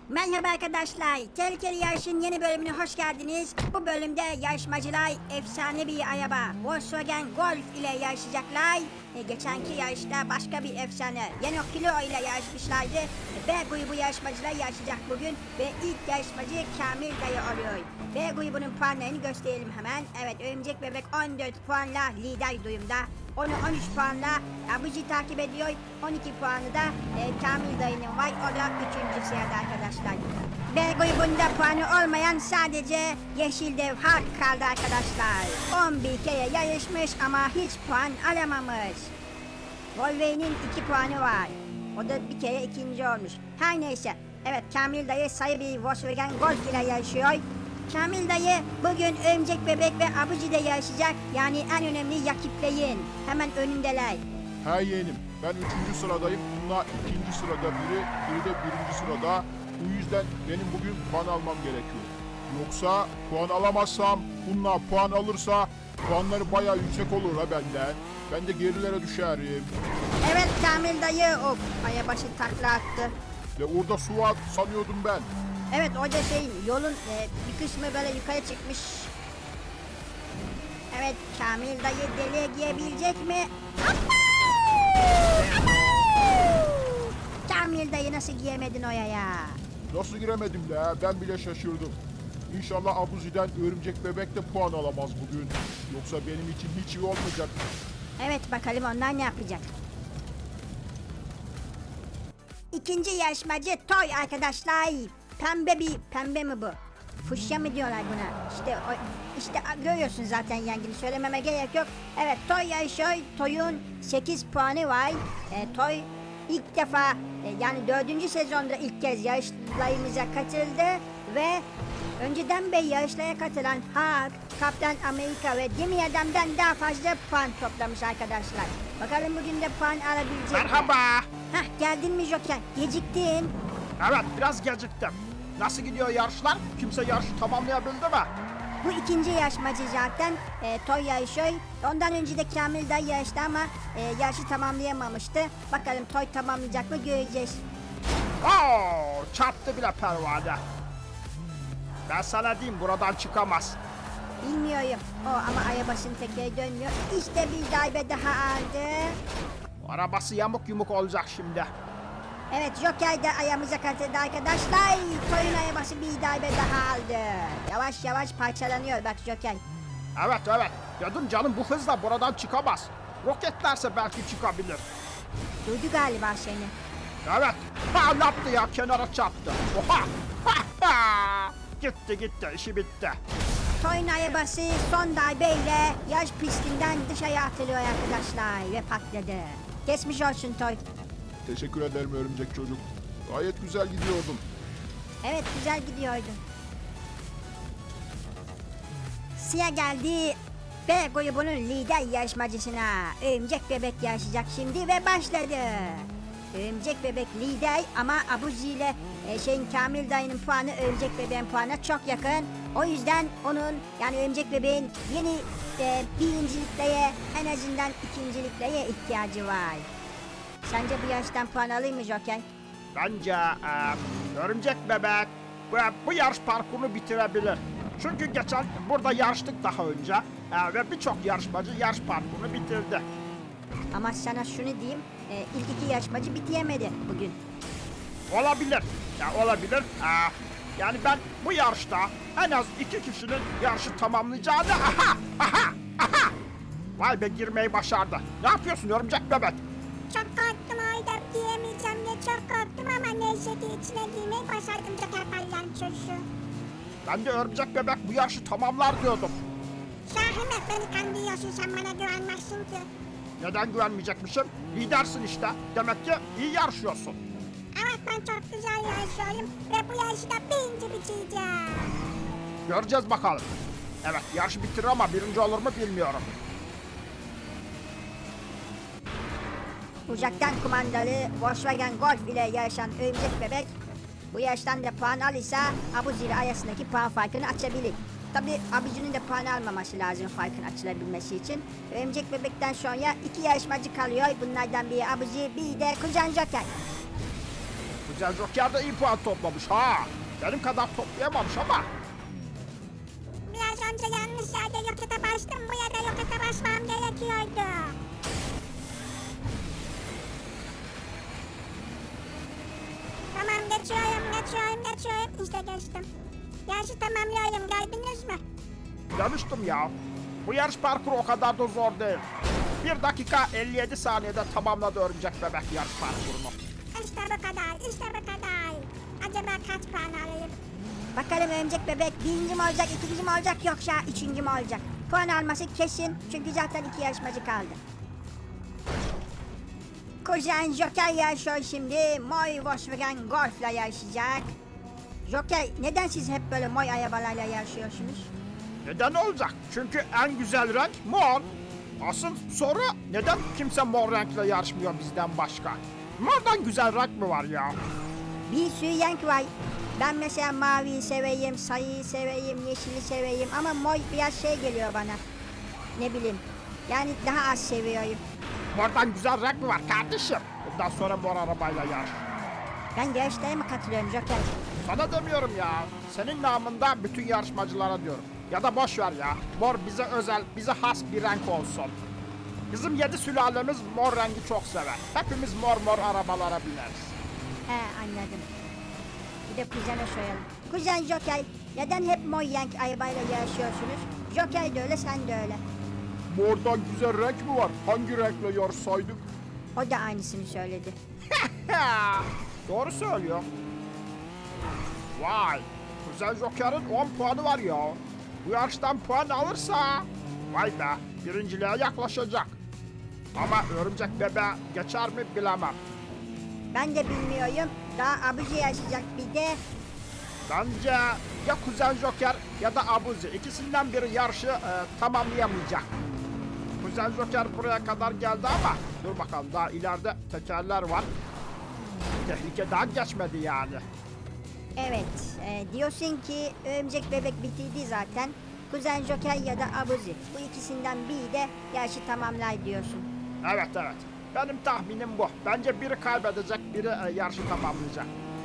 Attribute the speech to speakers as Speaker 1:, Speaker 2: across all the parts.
Speaker 1: Merhaba arkadaşlar. Tehlikeli Yarış'ın yeni bölümüne hoş geldiniz. Bu bölümde yarışmacılar efsane bir araba Volkswagen Golf ile yarışacaklar. Geçenki yarışta başka bir efsane Renault Clio ile yarışmışlardı. B grubu yarışmacılar yarışacak bugün ve ilk yarışmacı Kamil Dayı oluyor. B grubunun puanlarını gösterelim hemen. Evet, Örümcek Bebek 14 puanla lider durumda. Onu 13 puanla Abuji takip ediyor. 12 puanı da Kamil Dayı'nın var. O da 3. sırada arkadaşlar. B grubunda puanı olmayan sadece Yeşil Dev Hulk kaldı arkadaşlar. 11 kere yarışmış ama hiç puan alamamış. Wolverine'in 2 puanı var. O da bir kere ikinci olmuş. Her neyse. Evet, Kamil Dayı sayı bir Volkswagen Golf ile yarışıyor. Kamil Dayı bugün Örümcek Bebek ve Abuji'de yarışacak. Yani en önemli rakiplerin. Hemen önündeler.
Speaker 2: He yeğenim, ben 3. sıradayım. Bunlar 2. sırada biri de 1. sırada. Bu yüzden benim bugün puan almam gerekiyor. Yoksa puan alamazsam, bunlar puan alırsa puanları bayağı yüksek olur ha benden. Ben de gerilere düşerim.
Speaker 1: Evet Kamil Dayı, of, ayabaşı takla attı.
Speaker 2: Ve orada su var sanıyordum ben.
Speaker 1: Evet, o da yolun bir kısmı böyle yukarı çıkmış. Evet, Kamil Dayı deliğe girebilecek mi? Kamil Dayı nasıl giyemedin oraya?
Speaker 2: Nasıl giremedim la? Ben bile şaşırdım. İnşallah Abuzi'den Örümcek Bebek de puan alamaz bugün. Yoksa benim için hiç iyi olmayacak.
Speaker 1: Evet, bakalım onlar ne yapacak. İkinci yarışmacı Toy arkadaşlar. Pembe mi bu? Fuşya mı diyorlar buna? İşte görüyorsun zaten, yengini söylememe gerek yok. Evet, Toy yarışıyor. Toy'un 8 puanı var. Toy ilk defa yani 4. sezonda ilk kez yarışlarımıza katıldı ve önceden beri yarışlara katılan Hulk, Kaptan Amerika ve Demir Adam'dan daha fazla puan toplamış arkadaşlar. Bakalım bugün de puan alabilecek mi?
Speaker 3: Merhaba.
Speaker 1: Hah, geldin mi Joker? Geciktin.
Speaker 3: Evet, biraz geciktim. Nasıl gidiyor yarışlar? Kimse yarışı tamamlayabildi mi?
Speaker 1: Bu ikinci yarışmacı zaten Toy yarışıyor. Ondan önce de Kamil Dayı yarıştı ama yarışı tamamlayamamıştı. Bakalım Toy tamamlayacak mı, göreceğiz.
Speaker 3: Oo, çarptı bile pervane. Ben sana diyeyim, buradan çıkamaz.
Speaker 1: Bilmiyorum. Ama arabasının tekeri dönmüyor. İşte bir darbe daha aldı.
Speaker 3: Arabası yamuk yumuk olacak şimdi.
Speaker 1: Evet, Joker de ayağımıza katıldı arkadaşlar. Toy'un arabası bir darbe daha aldı. Yavaş yavaş parçalanıyor bak Joker.
Speaker 3: Evet, dedim canım, bu hızla buradan çıkamaz. Roketlerse belki çıkabilir.
Speaker 1: Duydu galiba seni.
Speaker 3: Evet, ne yaptı ya, kenara çarptı. Oha. Gitti, işi bitti.
Speaker 1: Toy'un arabası son darbeyle yarış pistinden dışarı atılıyor arkadaşlar ve patladı. Geçmiş olsun Toy.
Speaker 2: Teşekkür ederim örümcek çocuk. Gayet güzel gidiyordum.
Speaker 1: Evet, güzel gidiyordun. Sıra geldi B grubunun lider yarışmacısına. Örümcek Bebek yarışacak şimdi ve başladı. Örümcek Bebek lider ama Abuzi ile Kamil Dayı'nın puanı Örümcek Bebek'in puanına çok yakın. O yüzden onun, yani Örümcek Bebek'in yeni birinciliklere, en azından ikinciliklere ihtiyacı var. Sence bu yarıştan puan alır mı Joker?
Speaker 3: Bence Örümcek Bebek bu yarış parkurunu bitirebilir. Çünkü geçen burada yarıştık daha önce ve birçok yarışmacı yarış parkurunu bitirdi.
Speaker 1: Ama sana şunu diyeyim, ilk iki yarışmacı bitiremedi bugün.
Speaker 3: Olabilir. Olabilir. Yani ben bu yarışta en az 2 kişinin yarışı tamamlayacağını... Aha! Vay be, girmeyi başardı. Ne yapıyorsun Örümcek Bebek?
Speaker 4: Çok korktum, orada giyemeyeceğim diye çok korktum ama neyse ki içine giymeyi başardım Joker Palyançosu.
Speaker 3: Ben de Örümcek Bebek bu yarışı tamamlar diyordum.
Speaker 4: Şahin, beni kandırıyorsun, sen bana güvenmezsin ki.
Speaker 3: Neden güvenmeyecekmişim? Lidersin işte. Demek ki iyi yarışıyorsun.
Speaker 4: Evet, ben çok güzel yarışıyorum ve bu yarışı da birinci bitireceğim.
Speaker 3: Göreceğiz bakalım. Evet, yarışı bitirir ama birinci olur mu bilmiyorum.
Speaker 1: Uzaktan kumandalı Volkswagen Golf ile yarışan Örümcek Bebek bu yarıştan da puan alırsa Abuzi ile arasındaki puan farkını açabilir. Tabi Abuzi'nin de puan almaması lazım farkın açılabilmesi için. Örümcek Bebek'ten sonra 2 yarışmacı kalıyor. Bunlardan biri Abuzi, biri de Kuzen Joker.
Speaker 3: Kuzen Joker de iyi puan toplamış ha. Benim kadar toplayamamış ama.
Speaker 4: Biraz önce yanlış yerde rokete bastım. Bu yerde rokete basmam gerekiyordu. Tamam geçiyorum. İşte geçtim. Yarışı tamamlıyorum, geldiniz mi?
Speaker 3: Demiştim ya. Bu yarış parkuru o kadar da zor değil. 1 dakika 57 saniyede tamamladı Örümcek Bebek yarış parkurunu.
Speaker 4: İşte bu kadar. Acaba kaç puan alayım?
Speaker 1: Bakalım örümcek bebek birinci mi olacak, ikinci mi olacak yoksa üçüncü mü olacak? Puan alması kesin çünkü zaten 2 yarışmacı kaldı. Kuzen Joker yarışıyor şimdi. Moy Volkswagen Golf'la yarışacak. Joker, neden siz hep böyle moy arabalarla yarışıyorsunuz?
Speaker 3: Neden olacak? Çünkü en güzel renk mor. Asıl soru neden kimse mor renkle yarışmıyor bizden başka? Mordan güzel renk mi var ya?
Speaker 1: Bir sürü renk var. Ben mesela maviyi seveyim, sarıyı seveyim, yeşili seveyim ama mor biraz şey geliyor bana. Ne bileyim. Yani daha az seviyorum.
Speaker 3: Mordan güzel renk mi var kardeşim? Bundan sonra mor arabayla yarış.
Speaker 1: Ben yarışlara mı katılıyorum Joker?
Speaker 3: Sana demiyorum ya. Senin namında bütün yarışmacılara diyorum. Ya da boş ver ya. Mor bize özel, bize has bir renk olsun. Bizim 7 sülalemiz mor rengi çok sever. Hepimiz mor arabalara bineriz.
Speaker 1: He, anladım. Bir de kuzene soralım. Kuzen Joker, neden hep mor renk arabayla yarışıyorsunuz? Joker de öyle, sen de öyle.
Speaker 2: Mordan güzel renk mi var? Hangi renkle yarışsaydık?
Speaker 1: O da aynısını söyledi.
Speaker 3: Doğru söylüyor. Vay. Kuzen Joker'ın 10 puanı var ya. Bu yarıştan puan alırsa vay be birinciliğe yaklaşacak. Ama Örümcek Bebe geçer mi bilemem.
Speaker 1: Ben de bilmiyorum. Daha abici yarışacak bir de.
Speaker 3: Bence ya Kuzen Joker ya da Abuzi ikisinden biri yarışı tamamlayamayacak. Kuzen Joker buraya kadar geldi ama dur bakalım daha ileride tekerler var. Tehlike daha geçmedi yani.
Speaker 1: Evet, diyorsun ki örümcek bebek bitirdi zaten. Kuzen Joker ya da Abuzi. Bu ikisinden biri de yarışı tamamlar diyorsun.
Speaker 3: Evet. Benim tahminim bu. Bence biri kaybedecek, biri yarışı tamamlayacak.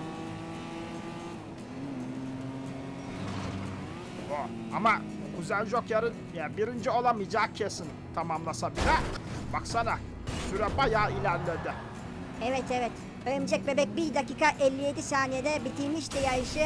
Speaker 3: O. Ama Kuzen Joker'ın yani birinci olamayacağı kesin tamamlasa bile. Baksana süre bayağı ilerledi.
Speaker 1: Evet. Örümcek bebek 1 dakika 57 saniyede bitirmişti yarışı.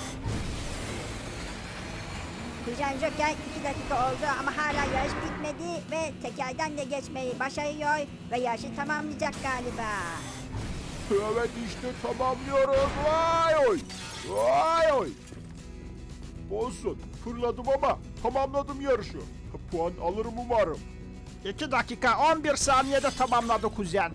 Speaker 1: Kuzen Joker 2 dakika oldu ama hala yarış bitmedi ve tekerden de geçmeyi başarıyor ve yarışı tamamlayacak galiba.
Speaker 2: Evet işte tamamlıyoruz. Vay oy. Vay oy. Olsun. Fırladım ama tamamladım yarışı. Puan alırım umarım.
Speaker 3: 2 dakika 11 saniyede tamamladı kuzen.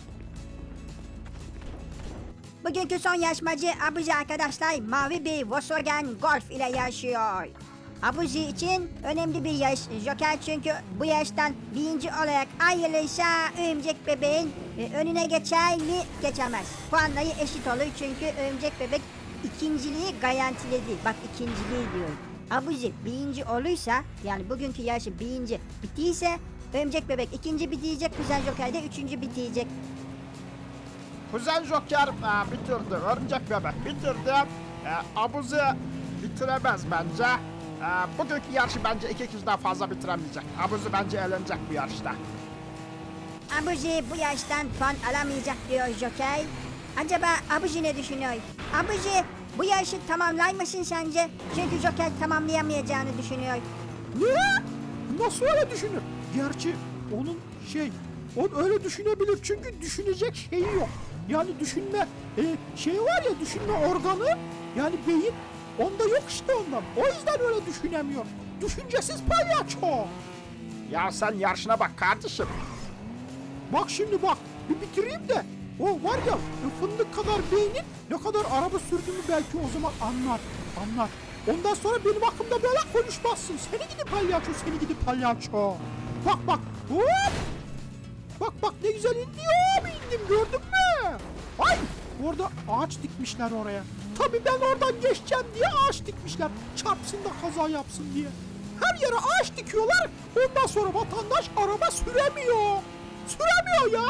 Speaker 1: Bugünkü son yarışmacı Abuzi arkadaşlar mavi bir Volkswagen Golf ile yarışıyor. Abuzi için önemli bir yarış Joker çünkü bu yarıştan birinci olarak ayrılırsa örümcek bebeğin önüne geçer mi geçemez. Puanları eşit olur çünkü örümcek bebek ikinciliği garantiledi. Bak ikinciliği diyorum. Abuzi birinci olursa yani bugünkü yarışı birinci bittiyse örümcek bebek ikinci bitirecek, Kuzen Joker de üçüncü bitirecek.
Speaker 3: Kuzen Joker bitirdi. Örümcek Bebek bitirdi. Abuzi bitiremez bence. Bugünkü yarışı bence 2 kişiden fazla bitiremeyecek. Abuzi bence eğlenecek bu yarışta.
Speaker 1: Abuzi bu yarıştan puan alamayacak diyor Joker. Acaba Abuzi ne düşünüyor? Abuzi bu yarışı tamamlar mısın sence? Çünkü Joker tamamlayamayacağını düşünüyor.
Speaker 5: Ne? Nasıl öyle düşünür? Gerçi onun o öyle düşünebilir çünkü düşünecek şeyi yok. Yani düşünme şey var ya düşünme organı yani beyin onda yok işte ondan. O yüzden öyle düşünemiyor. Düşüncesiz palyaço.
Speaker 3: Ya sen yarışına bak kardeşim.
Speaker 5: Bak şimdi bak bir bitireyim de o var ya fındık kadar beynin ne kadar araba sürdüğümü belki o zaman anlar. Ondan sonra benim hakkımda böyle konuşmazsın. Seni gidi palyaço. Bak hop. Bak ne güzel indim gördün mü? Ay orada ağaç dikmişler oraya. Tabii ben oradan geçeceğim diye ağaç dikmişler. Çarpsın da kaza yapsın diye. Her yere ağaç dikiyorlar. Ondan sonra vatandaş araba süremiyor. Süremiyor ya.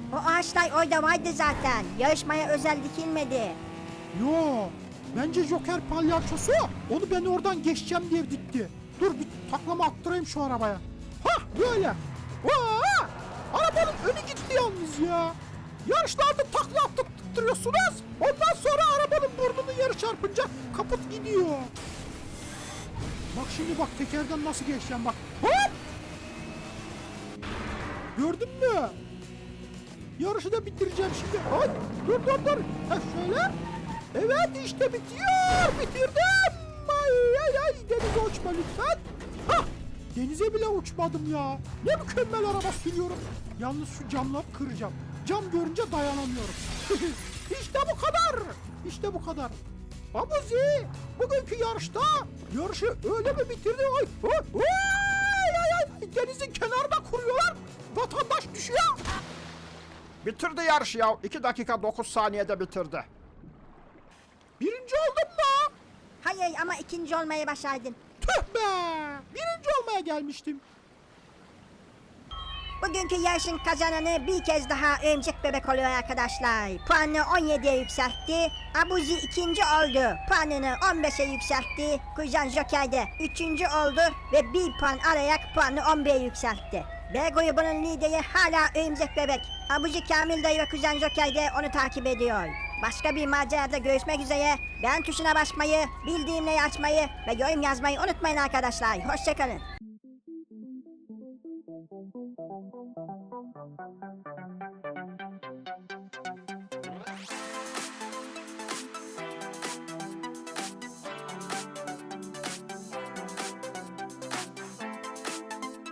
Speaker 1: O ağaçlar orada vardı zaten. Yarışmaya özel dikilmedi.
Speaker 5: Yo, bence Joker palyaçosu onu ben oradan geçeceğim diye dikti. Dur bir taklama attırayım şu arabaya. Hah böyle. Aa, arabanın önü gitti yalnız ya. Yarışlarda takla attırıyorsunuz. Ondan sonra arabanın burnunu yarı çarpınca kaput gidiyor. Bak şimdi bak tekerden nasıl geçeceğim bak. Hop! Gördün mü? Yarışı da bitireceğim şimdi. Ay, dur. Ha şöyle. Evet işte bitiyor. Bitirdim. Ay denize uçma lütfen. Hah, denize bile uçmadım ya. Ne mükemmel araba sürüyorum. Yalnız şu camları kıracağım. Cam görünce dayanamıyorum. İşte bu kadar. İşte bu kadar. Abuzi, bugünkü yarışta yarışı öyle mi bitirdi? Ay, denizin kenarına kuruyorlar. Vatandaş düşüyor.
Speaker 3: Bitirdi yarışı ya. 2 dakika 9 saniyede bitirdi.
Speaker 5: Birinci oldum mu?
Speaker 1: Hayır ama ikinci olmayı başardın.
Speaker 5: Tüh be! Birinci olmaya gelmiştim.
Speaker 1: Bugünkü yarışın kazananı bir kez daha Örümcek Bebek oluyor arkadaşlar. Puanını 17'ye yükseltti. Abuzi ikinci oldu. Puanını 15'e yükseltti. Kuzen Joker de üçüncü oldu ve bir puan alarak puanını 11'e yükseltti. B grubunun lideri hala Örümcek Bebek. Abuzi Kamil dayı ve Kuzen Joker de onu takip ediyor. Başka bir macerada görüşmek üzere. Beğen tuşuna basmayı, bildirimleri açmayı ve yorum yazmayı unutmayın arkadaşlar. Hoşçakalın.